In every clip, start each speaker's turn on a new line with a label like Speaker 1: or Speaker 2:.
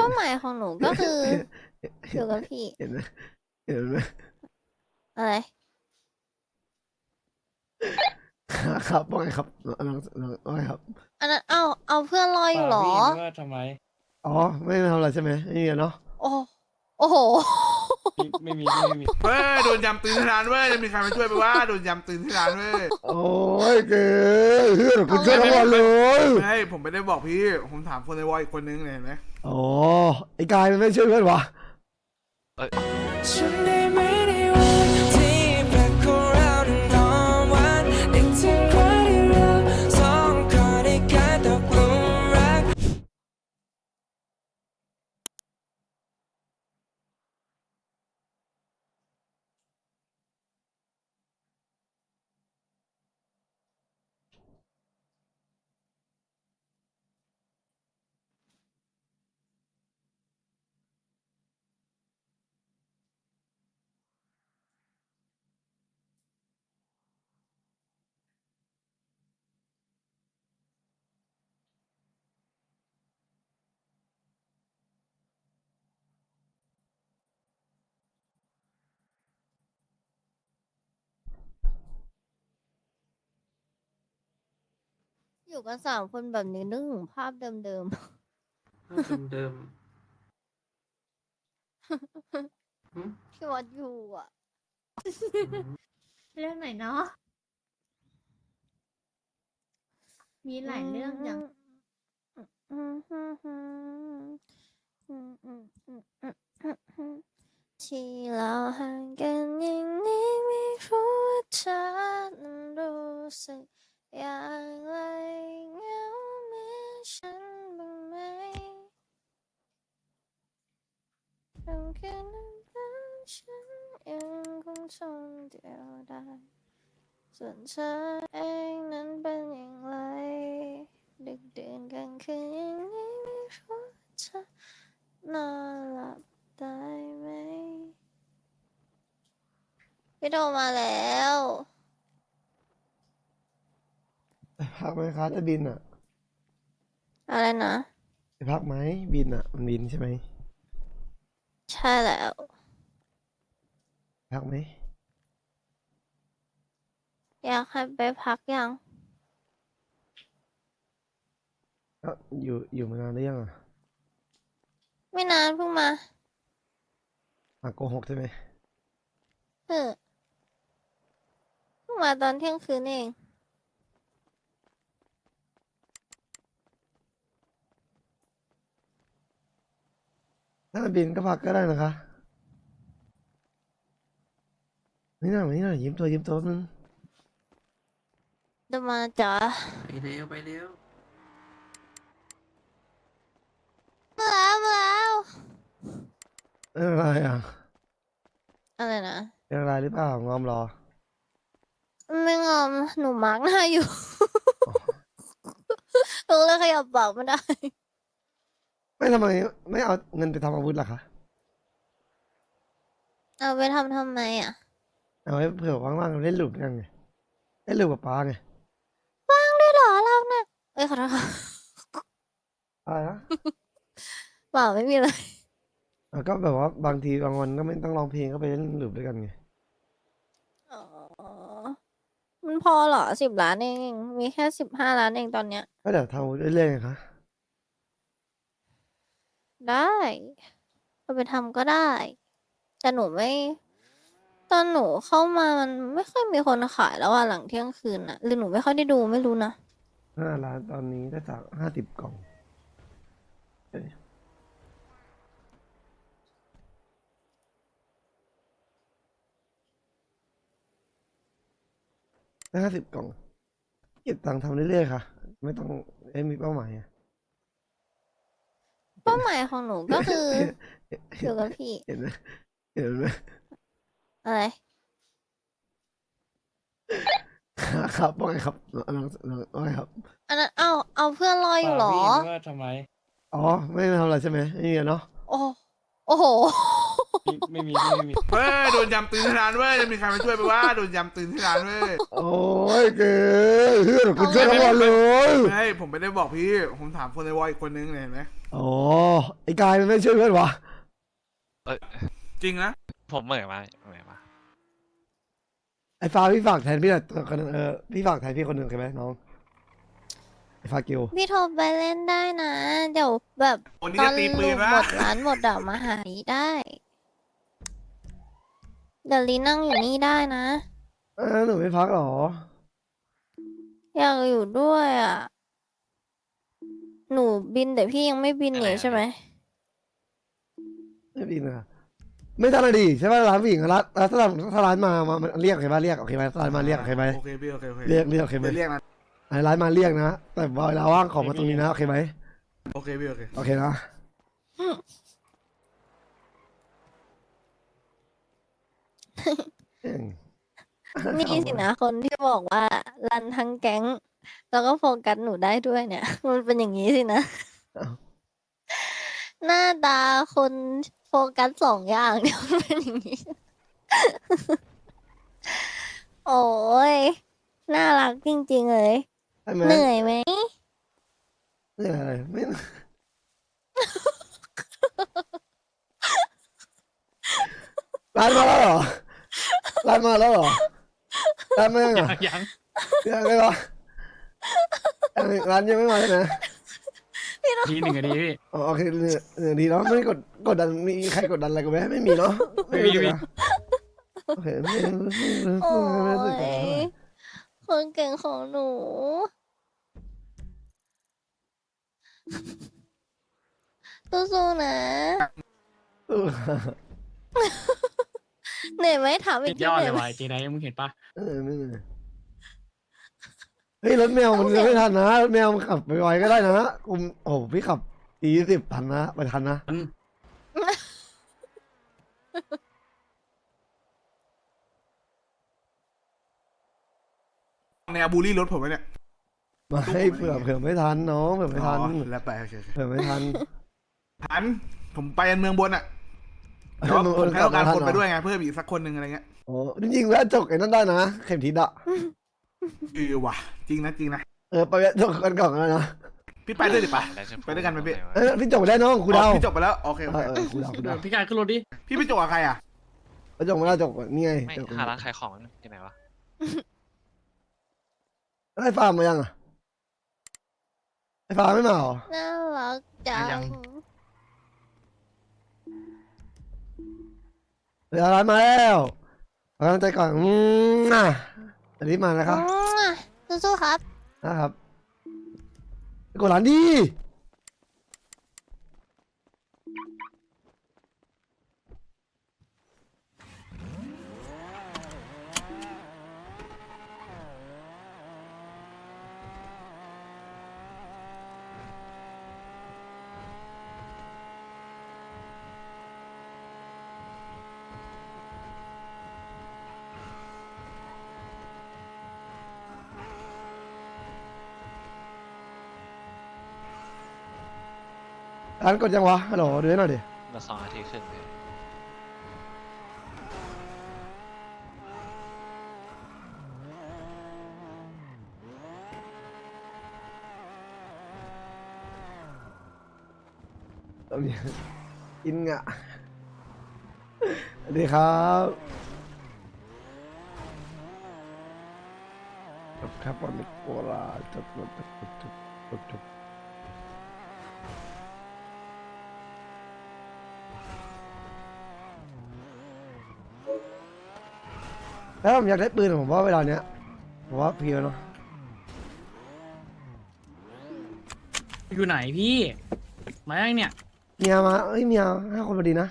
Speaker 1: ป้าหมายของหนูก็คืออยู่กับพี่
Speaker 2: เห็นไหมเห็นไหม
Speaker 1: อะไร
Speaker 2: ครับว่าไงครับน้องว่าไงครับ
Speaker 1: อันนั้นเอาเพื่อนรออยู่เหรอ
Speaker 3: พี่นึกว่าทำไม
Speaker 2: อ๋อไม่ได้ทำอะไรใช่ไหมไม่มีอะเนาะ
Speaker 1: โอ้โอ้โห
Speaker 3: พี่ไม่มี
Speaker 4: เว้ยโดนยำตีนที่ร้านเว้ยจะมีใครมาช่วยไปว่าโดนยำตีนที่ร้านเว้ย
Speaker 2: โอ้ยเก๋เพื่อนคุณช่วยทั้งวันเลย
Speaker 4: ไม่ผมไม่ได้บอกพี่ผมถามคนในวอยอีกคนนึงเนี่ยเห็นไหม
Speaker 2: อ๋อไอ้กายมันไม่ช่วยเพื่อนวะ
Speaker 5: ฉันได้ไม่ได้วันที่แปลกของเรานั้นหอมหวานนึกถึงวันที่เราสองคนได้กลายตกหลุมรัก
Speaker 1: อยู่กัน3 คนแบบนี้นึกถึงภาพเดิม
Speaker 6: เดิมหึ
Speaker 1: ๆที่วัดอยู่อ่ะ
Speaker 7: เรื่องไหนเนาะ มีหลายเรื่องอย่าง
Speaker 1: ที่เราห่างกันอย่างนี้ไม่รู้ว่าเธอนั้นรู้สึกอย่างไรเหงาเหมือนฉันบ้างไหมตรงคืนนั้นฉันยังคงทนเดียวดายส่วนเธอเองนั้นเป็นอย่างไรดึกดื่นกลางคืนอย่างนี้ไม่รู้เธอนอนหลับได้ไหมพี่โทรมาแล้ว
Speaker 2: พักไหมคะจะบินอ่ะ
Speaker 1: อะไรนะ
Speaker 2: จะพักไหมบินอ่ะมันบินใช่ไหม
Speaker 1: ใช่แล้ว
Speaker 2: พักไหม
Speaker 1: อยากให้ไปพักยัง
Speaker 2: ก็อยู่มานานหรือยังอ่ะ
Speaker 1: ไม่นานเพิ่งมา
Speaker 2: โกหกใช่ไหม
Speaker 1: เพิ่งมาตอนเที่ยงคืนเอง
Speaker 2: ถ้าจะบินก็พักก็ได้นะคะนี่หน่อยยิ้มตัวนึง
Speaker 1: จะมาจ๋า
Speaker 6: ไปเร็วไปเร็ว
Speaker 1: มาแล้ว
Speaker 2: เป็นอะไรอ่ะ
Speaker 1: อะไรนะ
Speaker 2: เป็นอะไรหรือเปล่างอมรอ
Speaker 1: ไม่งอมหนูมาร์กหน้าอยู่ หนูเลยขยับปากไม่ได้
Speaker 2: ไม่ทำไมไม่เอาเงินไปทำอาวุธล่ะคะ
Speaker 1: เอาไปทำไมอ่ะ
Speaker 2: เอาไว้เผื่อว่างๆเล่นลูกกันไงเล่นลูกกับป้าไง
Speaker 1: ว่างด้วยเหรอเราเนี่ยเอ้ยขอโทษค่ะ
Speaker 2: อะไรนะ
Speaker 1: เปล่าไม่มีอะไร
Speaker 2: ก็แบบว่าบางทีบางวันก็ไม่ต้องร้องเพลงก็ไปเล่นลูกด้วยกันไง
Speaker 1: อ๋อ มันพอเหรอ10 ล้านเอง มีแค่15 ล้านเองตอนเนี้ย
Speaker 2: ก็เดี๋ยวทำอาวุธเรื่อยๆไงคะ
Speaker 1: ได้เอาไปทำก็ได้ แต่หนูไม่ ตอนหนูเข้ามามันไม่ค่อยมีคนขายแล้วอะหลังเที่ยงคืนอะหรือหนูไม่ค่อยได้ดูไม่รู้นะ
Speaker 2: 5 ล้านตอนนี้ได้จาก50 กล่องได้50 กล่อง เก็บตังค์ทำเรื่อยๆค่ะ ไม่ต้องมีเป้าหมายอะ
Speaker 1: เป้าหมายของหนูก็คืออยู่กับพี่
Speaker 2: เห็นไหมเห็นไหม
Speaker 1: อะไร
Speaker 2: ครับว่าไงครับน้องว่าไงครับ
Speaker 1: อันนั้นเอาเพื่อนรออยู่เหรอ
Speaker 3: พี่นึกว่าทำไม
Speaker 2: อ๋อไม่ได้ทำอะไรใช่ไหมไม่มีอะเนาะ
Speaker 1: โอ้โอ้โห
Speaker 3: ไม่มี
Speaker 4: เว้ยโดนยำตื่นที่ร้านเว้ยจะมีใครมาช่วยไปว่าโดนยำตื่นที่ร้านเว้ย
Speaker 2: โอ้ยเก๋เฮือคุณช่วยทั้งวันเลย
Speaker 4: ไม่ผมไม่ได้บอกพี่ผมถามคนในวอลอีกคนนึงเนี่ยเห็นไหม
Speaker 2: อ๋อไอ้กายมันไม่ช่วยเพื่อนวะ
Speaker 4: จริงนะ
Speaker 8: ผมเหม่อมา
Speaker 2: ไอ้ฟ้าพี่ฝากแทนพี่หน่อยคนนึงพี่ฝากแทนพี่คนหนึ่งโอเคไหมน้องไอ้ฟ้ากิว
Speaker 1: พี่โทรไปเล่นได้นะ เดี๋ยวแบบ
Speaker 4: วันนี้
Speaker 1: ตอ
Speaker 4: จะ
Speaker 1: น
Speaker 4: ตีปื
Speaker 1: ลู
Speaker 4: น
Speaker 1: ก
Speaker 4: วะ
Speaker 1: หมดร้านหมดเดี๋ยวมาหาลีได้ เดี๋ยวลีนั่งอยู่นี่ได้นะ
Speaker 2: หนูไม่พักหรอ
Speaker 1: อยากอยู่ด้วยอ่ะ หนูบินแต่พี่ยังไม่บินหนีใช่ไหม
Speaker 2: ไม่บินอะไม่ทันเลยดิใช่ป่ะร้านผู้หญิงอะร้านถ้าร้านมามันเรียกโอเคป่ะเรียกโอเคไหมร้านมาเรียกโอเคไหม
Speaker 4: โอเคพี่โอเคโอเค
Speaker 2: เรียกโอเคไหม
Speaker 4: เรียกนะ
Speaker 2: ไอ้ร้านมาเรียกนะแต่เวลาว่างของมาตรงนี้นะโอเคไหม
Speaker 4: โอเคพี่โอเค
Speaker 2: โอเคนะเอิ่ง
Speaker 1: นี่สินะคนที่บอกว่ารันทั้งแก๊ง แล้วก็โฟกัสหนูได้ด้วยเนี่ย มันเป็นอย่างนี้สินะ หน้าตาคนโฟกัสสองอย่างเนี่ยมันเป็นอย่างนี้ โอ้ยน่ารักจริงๆเลย
Speaker 2: ใช่ไหม
Speaker 1: เหนื่อยไหม
Speaker 2: เหนื่อยอะไรไม่ร้านมาแล้วเหรอร้านมาแล้วเหรอร้านมายังอ่ะ
Speaker 3: ยัง
Speaker 2: ยังไงวะร้านยังไม่มาใช่ไหม
Speaker 3: ทีหนึ่งอะดีพี่
Speaker 2: อ๋อโอเคดีเนาะไม่กดดันมีใครกดดันอะไรกูไหมไม่มีเนาะ
Speaker 3: ไม่มี
Speaker 2: นะโอเคไม่
Speaker 1: โอ้
Speaker 2: รู้สึก
Speaker 1: ยคนเก่งของหนู สู้ๆนะ เหนื่อยไหมถามอี
Speaker 3: ติ
Speaker 1: ก
Speaker 3: ด
Speaker 1: ที
Speaker 3: ยอด
Speaker 1: เห
Speaker 3: เล
Speaker 1: นื่อย ยไหม
Speaker 3: ว่ะเจไดมึงเห็นปะ
Speaker 2: ไม่เหนื่อยเฮ้ยรถแมวมันไม่ทันนะรถแมวมันขับไปไวก็ได้นะกูโอ้โหพี่ขับ40ทันนะไปทันนะ
Speaker 4: แนวบูลลี่รถผมไหมเนี่ย
Speaker 2: มาให้เผื่อไม่ทันน้องเผื่อไม่ทัน
Speaker 4: อ๋อแล้วไปโอเคโอเค
Speaker 2: เผื่อไม่ทัน
Speaker 4: ทันผมไปเมืองบนอ่ะแต่ว่าผมแค่ต้องการคนไปด้วยไงเพิ่มอีกสักคนหนึ่งอะไรเงี้ย
Speaker 2: โอ้จริงๆแล้วจกไอ้นั่นได้นะเข็มทิศอะ
Speaker 4: ว่ะจริงนะจริงนะ
Speaker 2: ไปแวะจกกันก่อนแล้วนะ
Speaker 4: พี่ไปด้วยดิปะ ไปด้วยกันไหมพี่
Speaker 2: พี่จกไปได้น้องครูดาว
Speaker 4: พี่จบไปแล้วโอเคโอเค
Speaker 2: ครูดาว
Speaker 3: พี่กายขึ้นรถดิ
Speaker 4: พี่ไปจบกับใครอ่ะ
Speaker 2: จกไม่ได้จกนี่ไง
Speaker 8: ไม่
Speaker 2: จก
Speaker 8: หาร้านขายของที่ไหนวะ
Speaker 2: ไอ้ฟาร์มมายังอะไอ้ฟาร์มไม่มาหรอ
Speaker 1: น่ารักจัง
Speaker 2: เดี๋ยวร้านมาแล้วขอกำลังใจก่อนอันนี้มานะครับ
Speaker 1: สู้ๆครับ
Speaker 2: นะครับกดร้านดีร้านกดยังวะฮัลโหลดูให้หน่อยดิ
Speaker 8: มา2 นาทีครึ่งเลย
Speaker 2: ตรงนี้กินงะสวัสดีครับครับวันนี้โกลาจบแล้วผมอยากได้ปืนผมว่าเวลาเนี้ยผมว่าเพียวเนาะ
Speaker 3: อยู่ไหนพี่มายังเนี่ย
Speaker 2: เมียมาเมีย5 คนพอดีนะ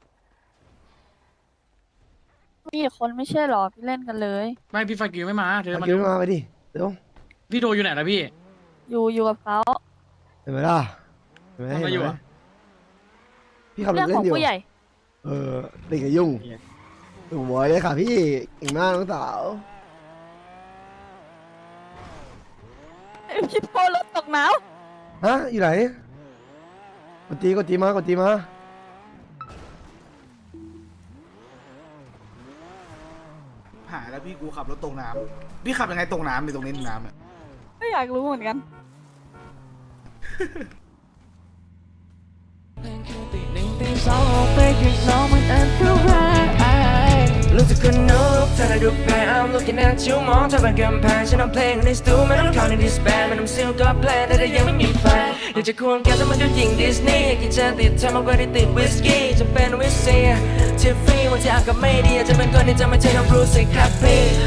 Speaker 9: มีอีกคนไม่ใช่หรอ พี่เล่นกันเลย
Speaker 3: ไม่พี่ฟากิวไม่มาเธอ
Speaker 2: เอา
Speaker 3: มา
Speaker 2: คิวมาไปดิเดี๋ยว
Speaker 3: พี่โทรอยู่ไหนล่ะพี่
Speaker 9: อยู่กับเขา
Speaker 2: เห็นไหมล่ะเห็นไหม
Speaker 3: ทำอะไรอยู่อะ
Speaker 2: พี่ขับร
Speaker 9: เรื่อ
Speaker 2: ถ
Speaker 9: ง
Speaker 2: เล่
Speaker 9: ขอน ง
Speaker 2: อยู่
Speaker 9: ผู้ใหญ่
Speaker 2: เด็กกับยุ่งโอ้โหเลยค่ะพี่เก่งมากน้องสาว
Speaker 9: พี่โพรถตกหนาว
Speaker 2: ฮะอยู่ไหนกดจีมา
Speaker 4: พี่กูขับรถตกน้ำพี่ขับยังไงตกน้ำในตรงนี้น้ำเนี่ย
Speaker 9: ไม่อยากรู้เหมือนกัน
Speaker 5: รู้สึกคนนุกเธอได้ดูแพ้ I'm looking at you มองเธอเป็นกำแพงฉันเอาเพลงในสตูไม่ต้องเข้าในดิสแบนไม่ต้องซิลก็แพลนแต่ยังไม่มีแฟนอยากจะควงแกแต่มันก็ยิงดิสนีย์กินจะติดเธอมากกว่าที่ติดวิสกี้จะเป็นวิสเซียทิฟฟี่วันที่อากาศไม่ดีอาจจะเป็นคนที่จะไม่ใช่น้องบรูซสิครับพี่